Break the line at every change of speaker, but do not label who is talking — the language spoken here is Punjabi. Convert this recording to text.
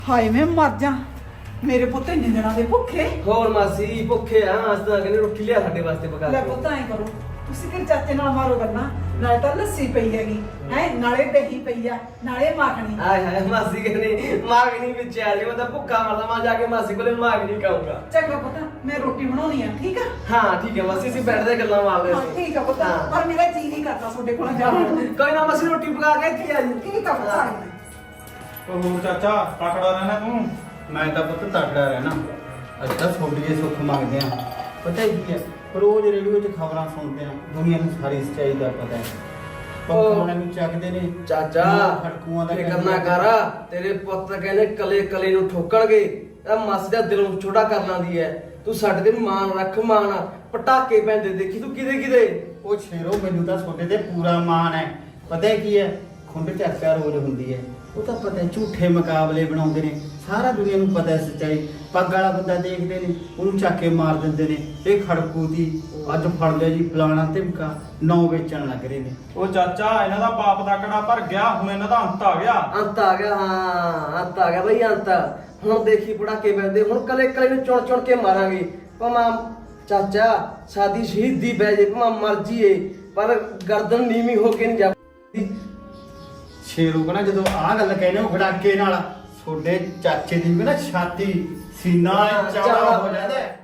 ਹਾਏ ਮੈਂ ਮਰ ਜਾ ਮੇਰੇ ਪੁੱਤ ਇੰਨੇ ਦਿਨਾਂ ਦੇ ਭੁੱਖੇ।
ਹੋਰ ਮਾਸੀ ਭੁੱਖੇ ਆ ਅੱਜ ਤਾਂ ਕਹਿੰਦੇ ਰੋਟੀ ਲਿਆ ਸਾਡੇ ਵਾਸਤੇ ਪਕਾ
ਲੈ
ਕੇ।
ਪੁੱਤ ਐ ਕਰੋ ਤੁਸੀਂ ਕਿ ਚਾਚੇ ਨਾਲ ਮਾਰੋ ਗੱਲਾਂ, ਨਾਲੇ ਤਾਂ ਲੱਸੀ ਪਈ ਹੈਗੀ ਹੈ, ਨਾਲੇ ਦਹੀਂ ਪਈ ਆ, ਨਾਲੇ ਮਾਖਣੀ।
ਆਏ ਹਾਏ ਮਾਸੀ ਕਹਿੰਦੇ ਮਾਗਣੀ ਵਿੱਚ ਆ ਜੀ, ਮੈਂ ਤਾਂ ਭੁੱਖਾ ਮਰਦਾ, ਮੈਂ ਜਾ ਕੇ ਮਾਸੀ ਕੋਲੇ ਮਾਗਣੀ ਖਾਊਂਗਾ।
ਚੰਗਾ ਪੁੱਤ ਮੈਂ ਰੋਟੀ ਬਣਾਉਣੀ ਆ, ਠੀਕ ਆ?
ਹਾਂ ਠੀਕ ਹੈ ਮਾਸੀ, ਅਸੀਂ ਬੈਠਦੇ ਗੱਲਾਂ ਮਾਰਦੇ
ਹਾਂ
ਸੀ।
ਠੀਕ ਆ ਪੁੱਤ,
ਹਾਂ।
ਪਰ ਮੇਰਾ ਜੀ ਨਹੀਂ ਕਰਦਾ ਤੁਹਾਡੇ ਕੋਲ ਜਾਣ ਨੂੰ।
ਕੋਈ ਨਾ ਮਾਸੀ ਰੋਟੀ ਪਕਾ ਕੇ ਇੱਥੇ ਆ ਜੀ।
ਠੀਕ ਆ ਪੁੱਤ।
ਉਹ ਹੋਰ ਚਾਚਾ ਤਕੜਾ ਰਹਿਣਾ ਤੂੰ। ਮੈਂ ਤਾਂ ਪੁੱਤ ਤਕੜਾ ਰਹਿਣਾ। ਅੱਜ ਤਾਂ ਛੋਟੀਏ ਸੁੱਖ ਮੰਗਦੇ ਆ। ਪਤਾ ਕੀ ਹੈ, ਰੋਜ਼ ਰੇਡੀਓ 'ਚ ਖਬਰਾਂ ਸੁਣਦੇ ਆ, ਦੁਨੀਆ ਨੂੰ ਸਾਰੀ ਸੱਚਾਈ ਦਾ ਪਤਾ ਹੈ। ਪੱਖਾਂ ਨੂੰ ਚੱਕਦੇ ਨੇ
ਚਾਚਾ
ਖੜਕੂਆਂ ਦਾ
ਫਿਕਰ ਨਾ ਕਰ, ਤੇਰੇ ਪੁੱਤ ਕਹਿੰਦੇ ਕਲੇ ਕਲੇ ਨੂੰ ਠੋਕਣਗੇ। ਇਹ ਮਾਸੀ ਦਾ ਦਿਲ ਨੂੰ ਛੋਟਾ ਕਰ ਲਾਂਦੀ ਹੈ। ਤੂੰ ਸਾਡੇ ਤੇ ਮਾਣ ਰੱਖ, ਮਾਣ। ਪਟਾਕੇ ਪੈਂਦੇ ਦੇਖੀ ਤੂੰ ਕਿਦੇ ਕਿਦੇ।
ਉਹ ਸ਼ੇਰੋ ਮੈਨੂੰ ਤਾਂ ਛੋਟੇ ਤੇ ਪੂਰਾ ਮਾਣ ਹੈ। ਪਤਾ ਕੀ ਹੈ, ਖੁੰਡ ਚਰਚਾ ਰੋਜ਼ ਹੁੰਦੀ ਹੈ। ਉਹ ਤਾਂ ਪਤਾ ਝੂਠੇ ਮੁਕਾਬਲੇ ਬਣਾਉਂਦੇ ਨੇ, ਸਾਰਾ ਦੁਨੀਆ ਨੂੰ ਪਤਾ ਹੈ ਸੱਚਾਈ। ਪੱਗ ਵਾਲਾ ਬੰਦਾ ਦੇਖਦੇ ਨੇ, ਉਹਨੂੰ ਚੱਕ ਕੇ ਮਾਰ ਦਿੰਦੇ ਨੇ। ਇਹ ਖੜਕੂ ਦੀ ਅੱਜ ਫੜ ਲਿਆ ਜੀ ਫਲਾਣਾ ਧਮਕਾ, 9 ਵੇਚਣ ਲੱਗ ਰਹੇ ਨੇ।
ਉਹ ਚਾਚਾ ਇਹਨਾਂ ਦਾ ਪਾਪ ਦਾ ਕੜਾ ਭਰ ਗਿਆ, ਹੁਣ ਇਹਨਾਂ ਦਾ ਅੰਤ ਆ ਗਿਆ।
ਅੰਤ ਆ ਗਿਆ, ਹਾਂ ਅੰਤ ਆ ਗਿਆ ਬਈ ਅੰਤ। ਹੁਣ ਦੇਖੀ ਪਟਾਕੇ ਪੈਂਦੇ, ਹੁਣ ਕਲੇ ਕਲੇ ਨੂੰ ਚੁਣ ਚੁਣ ਕੇ ਮਾਰਾਂਗੇ। ਭਾਵੇਂ ਚਾਚਾ ਸਾਡੀ ਸ਼ਹੀਦੀ ਪੈ ਜੇ, ਭਾਵੇਂ ਮਰ ਜੀਏ, ਪਰ ਗਰਦਨ ਨੀਵੀਂ ਹੋ ਕੇ ਨਹੀਂ ਜਾਂਦੀ।
ਸ਼ੇਰੂ ਕਹਿੰਦਾ ਜਦੋਂ ਆਹ ਗੱਲ ਕਹਿੰਦੇ ਉਹ ਗੜਾਕੇ ਨਾਲ, ਤੁਹਾਡੇ ਚਾਚੇ ਦੀ ਵੀ ਨਾ ਛਾਤੀ ਸੀਨਾ ਚੌੜਾ ਹੋ ਜਾਂਦਾ ਹੈ।